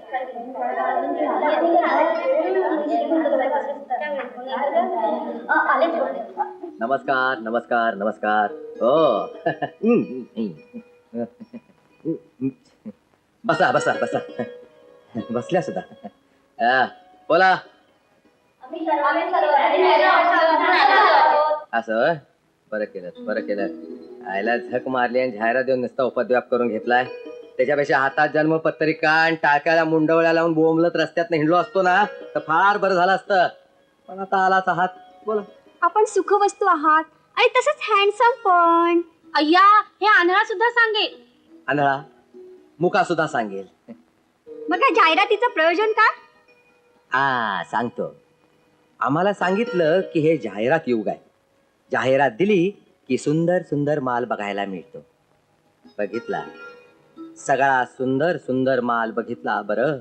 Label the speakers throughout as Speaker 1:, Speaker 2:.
Speaker 1: नमस्कार नमस्कार नमस्कार. हो. बसा बसा बसा. बसल्या सुद्धा. बोला. असं बरं केलं बरं केलं. आयला झक मारली आणि जाहिरात देऊन नुसता उपद्व्याप करून घेतलाय. त्याच्यापेक्षा हातात जन्मपत्रिका आणि टाक्याला मुंडवळ्या लावून बोंबलत रस्त्यात हिंडलो असतो ना तर फार बरं झालं असतं. पण आता आलाच आहात. बोला.
Speaker 2: आपण सुखवस्तू आहात आणि तसंच हँडसम पण. अय्या, हे आंधळा सुद्धा सांगेल.
Speaker 1: आंधळा मुका सुद्धा सांगेल.
Speaker 2: मग या जाहिरातीचं प्रयोजन काय?
Speaker 1: सांगतो. आम्हाला सांगितलं की हे जाहिरात युग आहे. जाहिरात दिली की सुंदर सुंदर माल बघायला मिळतो. बघितला सगळा सुंदर सुंदर माल बघितला. बरं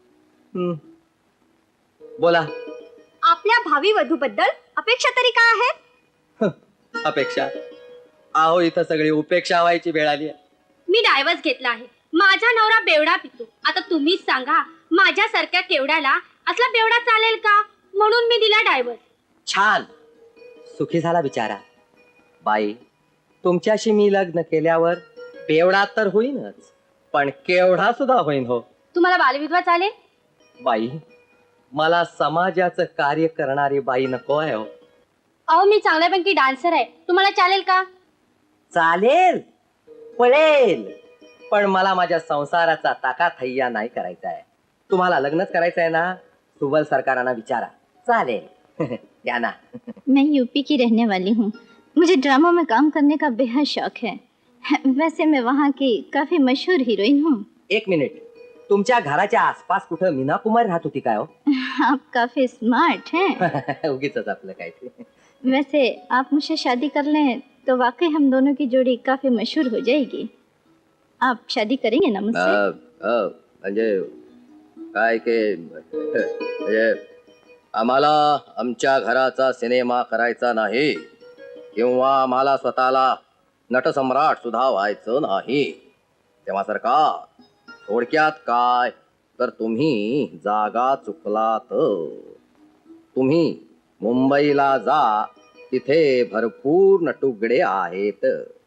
Speaker 1: बोला.
Speaker 2: आपल्या भावी वधूबद्दल अपेक्षा तरी काय आहेत?
Speaker 1: अपेक्षा? आहो इथं सगळी उपेक्षा व्हायची वेळ आली.
Speaker 2: मी डायव्हर्स घेतला आहे. माझा नवरा बेवडा पितो. आता तुम्हीच सांगा, माझ्यासारख्या केवड्याला असला बेवडा चालेल का? म्हणून मी दिला डायव्हर्स.
Speaker 1: छान, सुखी झाला बिचारा. बाई, तुमच्याशी मी लग्न केल्यावर बेवडा तर होईनच, पण केवढा सुद्धा होईन. हो.
Speaker 2: तुम्हाला बालविधवा चालेल?
Speaker 1: बाई, मला समाजाचं कार्य करणारी बाई नको आहे. हो.
Speaker 2: अहो, मी चांगल्यापैकी डान्सर आहे. तुम्हाला चालेल का?
Speaker 1: चालेल, पळेल, पण मला माझ्या संसाराचा ताकाथैया नाही करायचा आहे. तुम्हाला लग्नच करायचं आहे ना? सुबल सरकारांना विचारा. चालेल. या ना.
Speaker 3: मैं यूपी की रहने वाली हूँ. मुझे ड्रामा में काम करने का बेहद शौक है. वैसे मैं वहाँ की काफी मशहूर हीरोइन हूँ.
Speaker 1: एक मिनिट, तुमच्या घराच्या आसपास कुठं मीना कुमार राहत होती काय? हो.
Speaker 3: आप काफी स्मार्ट हैं.
Speaker 1: उगीच आपलं काय ते.
Speaker 3: वैसे आप मुझसे शादी कर लें तो वाकई हम दोनों की जोड़ी काफी मशहूर हो जाएगी. आप शादी करेंगे ना मुझसे?
Speaker 1: म्हणजे काय के म्हणजे आम्हाला आमच्या घराचा सिनेमा करायचा नाही किंवा आम्हाला स्वतःला नटसम्राट सुद्धा व्हायचं नाही. तेव्हा सरकार, थोडक्यात काय तर तुम्ही जागा चुकलात. तुम्ही मुंबईला जा, तिथे भरपूर नटुगडे आहेत.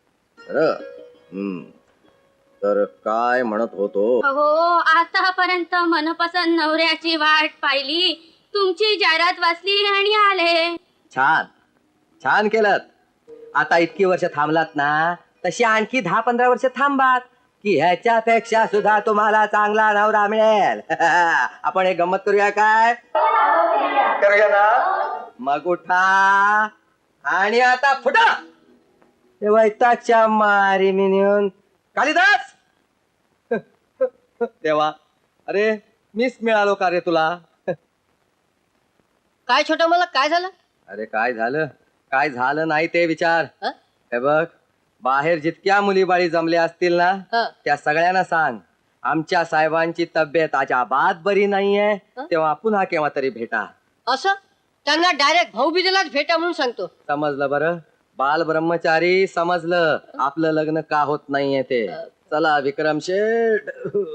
Speaker 1: तर काय म्हणत होतो?
Speaker 2: हो, आतापर्यंत मनपसंत नवऱ्याची वाट पाहिली, तुमची जाहिरात वाचली आणि आले.
Speaker 1: छान छान केलं. आता इतकी वर्ष थांबलात ना, तशी आणखी 10-15 वर्ष थांबात की ह्याच्यापेक्षा सुद्धा तुम्हाला चांगला नवरा मिळेल. आपण एक गंमत करूया काय? करूया ना? मग उठा आणि आता फुटा. ते वैतागच्या मारी मी नेऊन कालिदास. तेव्हा अरे मीच मिळालो का रे तुला?
Speaker 4: काय छोटा मला काय झालं?
Speaker 1: अरे काय झालं काय झालं नाही ते विचार. हे बघ, बाहेर जितक्या मुलीबाळी जमल्या असतील ना, त्या सगळ्यांना सांग आमच्या साहेबांची तब्येत अजाबात बरी नाहीये, तेव्हा पुन्हा केव्हा तरी भेटा.
Speaker 4: असं त्यांना डायरेक्ट भाऊबीजेलाच भेटा म्हणून सांगतो.
Speaker 1: समजलं? बरं, बाल ब्रह्मचारी समजलं. आपलं लग्न का होत नाहीये ते. चला विक्रम शेठ.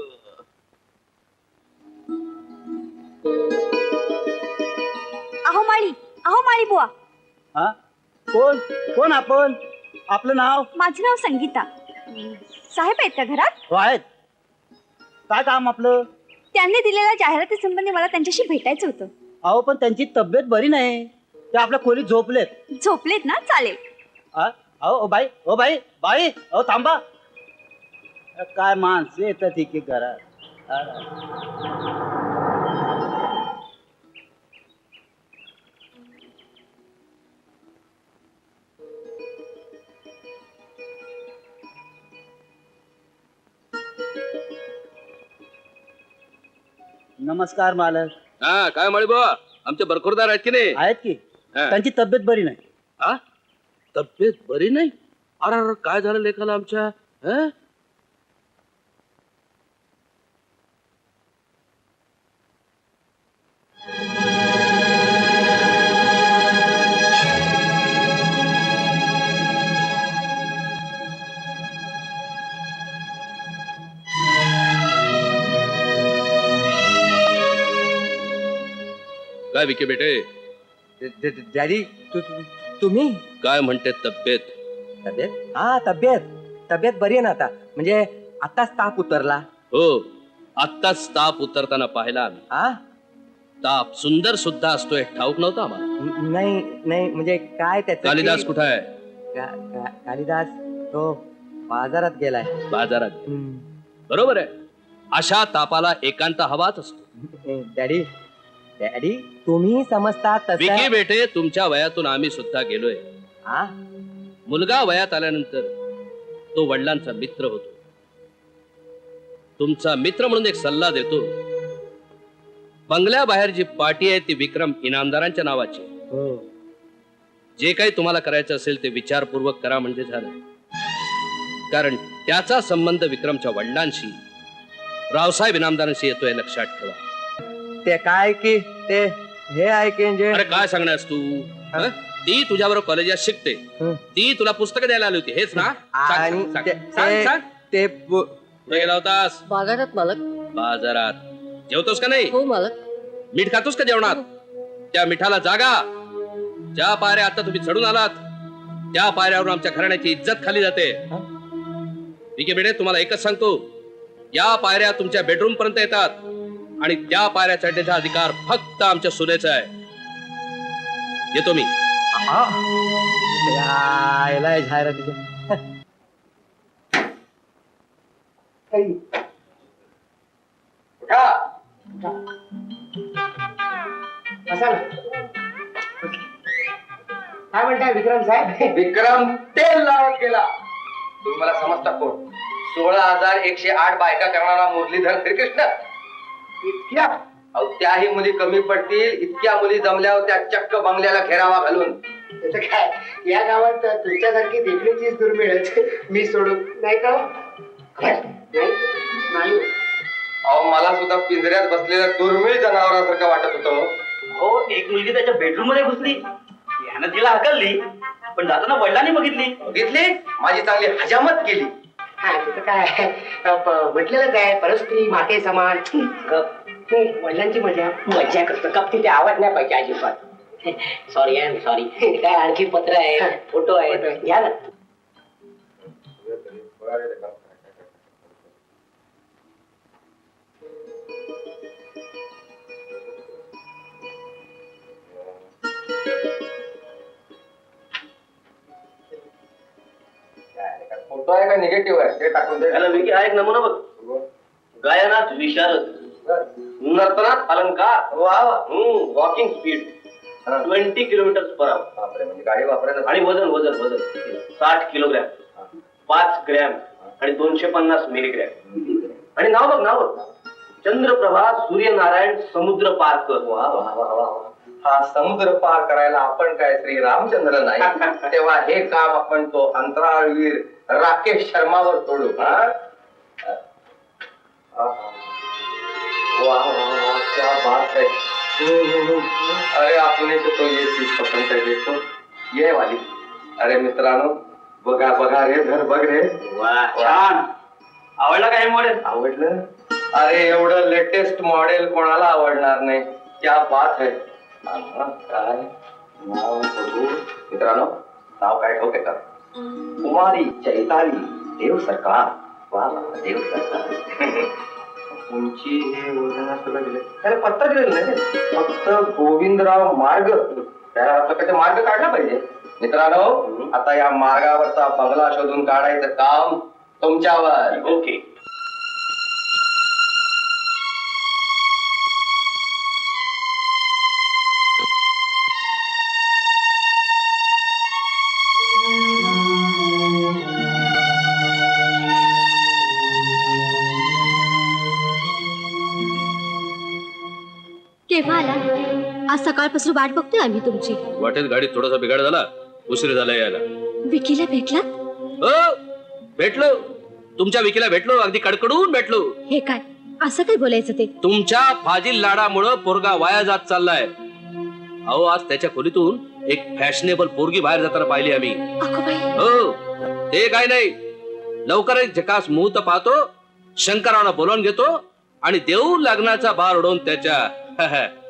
Speaker 2: अहो माळी बुवा.
Speaker 5: कोण कोण आपण? आपलं नाव?
Speaker 2: माझं नाव संगीता. साहेब आहेत का घरात?
Speaker 5: हो आहेत. काय काम आपलं?
Speaker 2: त्यांनी दिलेल्या जाहिराती संबंधी मला त्यांच्याशी भेटायचं होतं.
Speaker 5: अहो पण त्यांची तब्येत बरी नाही, ते आपल्या खोलीत झोपलेत.
Speaker 2: झोपलेत ना? चालेल.
Speaker 5: अहो बाई, ओ बाई बाई, अहो थांबा. काय माणसं येतात ठीक आहे घरात. नमस्कार मालक.
Speaker 6: काय म्हणे बा, आमचे बरखुरदार आहेत की नाही?
Speaker 5: आहेत की. त्यांची तब्येत बरी नाही.
Speaker 6: तब्येत बरी नाही? अरे काय झालं लेखाला आमच्या? काय विके बेटे,
Speaker 1: डॅडी तुम्ही
Speaker 6: काय म्हणते तब्येत?
Speaker 1: तब्येत? हा तब्येत बरी आहे ना आता, म्हणजे आताच ताप उतरला.
Speaker 6: हो, आत्ताच ताप उतरताना पाहिला आम्ही.
Speaker 1: हा
Speaker 6: ताप सुंदर सुद्धा असतोय ठाऊक नव्हता आम्हाला.
Speaker 1: नाही म्हणजे काय त्याचं
Speaker 6: कालिदास
Speaker 1: ते-
Speaker 6: कुठं आहे?
Speaker 1: कालिदास तो बाजारात गेलाय.
Speaker 6: बाजारात.
Speaker 1: हम्म.
Speaker 6: बरोबर आहे, अशा तापाला एकांत हवाच असतो.
Speaker 1: डॅडी डॅडी तुम्ही समजता
Speaker 6: विकी
Speaker 1: तसं.
Speaker 6: बेटे, तुमच्या वयातून आम्ही सुद्धा गेलोय.
Speaker 1: हा
Speaker 6: मुलगा वयात आल्यानंतर तो वडिलांचा मित्र होतो. तुमचा मित्र म्हणून एक सल्ला देतो, बंगल्याबाहेर जी पार्टी आहे ती विक्रम इनामदारांच्या नावाची.
Speaker 1: हो.
Speaker 6: जे काही तुम्हाला करायचं असेल ते विचारपूर्वक करा म्हणजे झालं. कारण त्याचा संबंध विक्रमच्या वडिलांशी, रावसाहेब इनामदारांशी येतोय, लक्षात ठेवा.
Speaker 1: ते काय की ते हे आहे की म्हणजे
Speaker 6: अरे काय सांगण्यास तू? हं? ती तुझ्याबरोबर कॉलेजात शिकते,
Speaker 1: हं.
Speaker 6: ती तुला पुस्तकं द्यायला आली होती, हेच ना? सांग,
Speaker 1: आणि
Speaker 6: सांग,
Speaker 1: ते-
Speaker 6: सांग, सांग,
Speaker 1: ते-
Speaker 6: सांग.
Speaker 1: ते
Speaker 6: कुठे गेला होतास?
Speaker 4: बाजारात मालक.
Speaker 6: बाजारात. जेवतोस का नाही?
Speaker 4: हो मालक.
Speaker 6: मीठ खातोस का जेवणात? त्या मिठाला जागा. ज्या पायऱ्या आता तुम्ही चढून आलात त्या पायऱ्यावरून आमच्या घराण्याची इज्जत खाली जाते. विके बेटे, तुम्हाला एकच सांगतो, या पायऱ्या तुमच्या बेडरूम पर्यंत येतात आणि त्या पायऱ्या चढण्याचा अधिकार फक्त आमच्या सुनेचा आहे. येतो मी.
Speaker 1: यायला जाहिरातीचं.
Speaker 7: काय म्हणताय विक्रम साहेब?
Speaker 1: विक्रम तेल लावत गेला. तुम्ही मला समजता कोण? 16,108 बायका करणारा मुरलीधर श्रीकृष्ण.
Speaker 7: इतक्या
Speaker 1: अहो, त्याही मुली कमी पडतील इतक्या मुली जमल्यावर त्या चक्क बंगल्याला घेरावा घालून.
Speaker 7: त्याचं काय, या गावात तुमच्यासारखी देखणीचीच दुर्मिळच. मी सोडून नाही का? नाही.
Speaker 1: अहो, मला सुद्धा पिंजऱ्यात बसलेल्या दुर्मिळ जनावरासारखं वाटत होतं.
Speaker 5: हो, एक मुलगी त्याच्या बेडरूम मध्ये घुसली, यानं तिला हकलली, पण जाताना वडिलांनी बघितली.
Speaker 1: बघितली? माझी चांगली हजामत केली.
Speaker 7: हा तिथं काय म्हटलेलंच आहे, परस्त्री माते समान. वडिलांची मजा करतो कप तिथे आवाज नाही पाहिजे अजिबात. Sorry I am sorry. काय आणखी पत्र आहे, फोटो आहे, घ्या ना.
Speaker 1: फोटो आहे का निगेटिव्ह आहे ते टाकून दे.
Speaker 5: त्याला विकी हा एक नमुना बघ. गायनात विशारद, नर्तनात अलंकार, वॉकिंग स्पीड 20 किलोमीटर/आवर.
Speaker 1: बापरे, म्हणजे गाडी वापरायला.
Speaker 5: आणि वजन वजन वजन 60 किलोग्रॅम, 5 ग्रॅम आणि 250 मिलीग्रॅम. आणि नाव बघ, चंद्रप्रभा सूर्यनारायण समुद्र पारकर.
Speaker 1: वा वा वा वा वा. हा समुद्र पार करायला आपण काय श्री रामचंद्र नाही, तेव्हा हे काम आपण तो अंतराळवीर राकेश शर्मावर सोडू. वा वा वा, क्या बात है. अरे आपण तो ये चीज पसंत है, देखो ये वाली. अरे मित्रांनो, बघा बघा रे, घर बघ रे.
Speaker 5: वा, छान. आवडला का हे मॉडेल?
Speaker 1: आवडलं? अरे एवढं लेटेस्ट मॉडेल कोणाला आवडणार नाही. क्या बात है. काय नाव बघू मित्रांनो, नाव काय ठोके का? कुमारी चैताली देव सरकार. वा वा, देव सरकार. उंची हे वजन सगळं दिलं, त्याला पत्ता दिलेलं नाही, फक्त गोविंदराव मार्ग. त्या मार्ग काढला पाहिजे. मित्रांनो, आता या मार्गावरचा बंगला शोधून काढायचं काम तुमच्यावर.
Speaker 5: ओके.
Speaker 2: केव्हा आला? आज सकाळपासून वाट बघतोय आम्ही तुमची.
Speaker 6: वाटेत गाडीत थोडासा बिघाड झाला, उशीर झाला यायला.
Speaker 2: विकीला भेटलात?
Speaker 6: हो, भेटलो. तुमच्या विकीला भेटलो, अगदी कडकडून भेटलो.
Speaker 2: हे काय असं काय बोलायचं ते?
Speaker 6: तुमच्या फाजील लाडामुळं पोरगा वाया जात चाललाय. अहो, आज त्याच्या खोलीतून एक फॅशनेबल पोरगी बाहेर जाताना पाहिली आम्ही.
Speaker 2: अगो बाई.
Speaker 6: हो, ते काय नाही, लवकरच झकास मुहूर्त पाहतो, शंकराला बोलावून घेतो आणि देऊ लग्नाचा बार उडवून त्याच्या